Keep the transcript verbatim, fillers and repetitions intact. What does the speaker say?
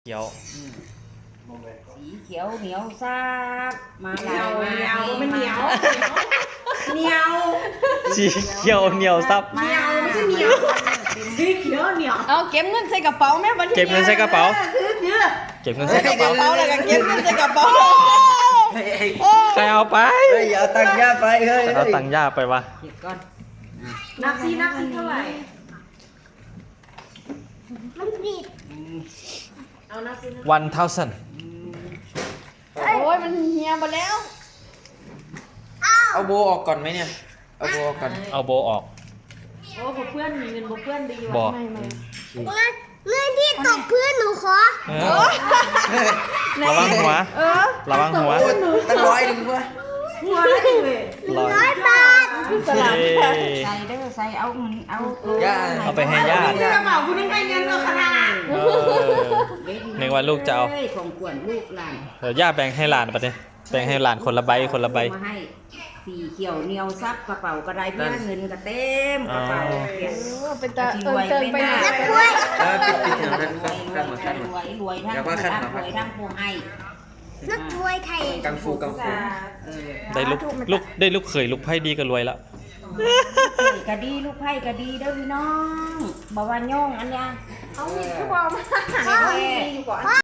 ขียวสีเขียวเหนียวซาบมาเหนียวเหนียวมันเหนียวเหนียวสีเขียวเหนียวซับเหนียวไม่ใช่เหนียวสีเขียวเหนียวเอาเก็บเงินใส่กระเป๋าแม่บัดเก็บเงินใส่กระเป๋าคือคือเก็บเงินใส่กระเป๋าเป๋าแล้วก็เก็บเงินใส่กระเป๋าใครเอาไปเฮ้ยอย่าเอาตังค์ย่าไปเฮ้ยเอาตังค์ย่าไปวะเก็บก่อนนับซีนับซีเท่าไหร่เอานับซีวันเท่าสันโอ้ยมันเหี่ยหมดแล้วเอาโบออกก่อนไหมเนี่ยเอาโบออกก่อนเอาโบออกโอ้เพื่อนเงินเพื่อนดีบว่ะอกเงินที่ตกพื้นหนูขอเออระวังหัวเออระวังหัวตั้งร้อยหนึ่งเพื่อหัวได้เลยร้อยร้อยบาทสลับเย้ใส่เด้อใส่เอาเงินเอาเอาไปให้ญาติกระเป๋าคุณนึกไปเงินเลยขนาดเออ นึกว่าลูกจะเอาของกวนลูกหลานเดี๋ยวย่าแบ่งให้หลานไปเลยแบ่งให้หลานคนละใบคนละใบมาให้สีเขียวเหนียวซับกระเป๋ากระไดเพื่อนเงินก็เต็มกระเป๋าอ๋อเขียนเออเป็นตาเอิงเติงไปหน่อยเออปิดปิดแถวนั้นรขั้วน ยขั้นรมาวยขั้นมารวยรวยทั้งเดี๋ยวว่าขั้นรัมารวยทั้งผู้ให้นักมวยไทยกังฟูกังฟูเออได้ลูกลูกได้ลูกเขยลูกไพ่ดีก็รวยแล้วกะดีลูกไผ่กะดีเด้อพี่น้องบ่ว่าย่องอันยังเอามีดก็บอกมาพ่อ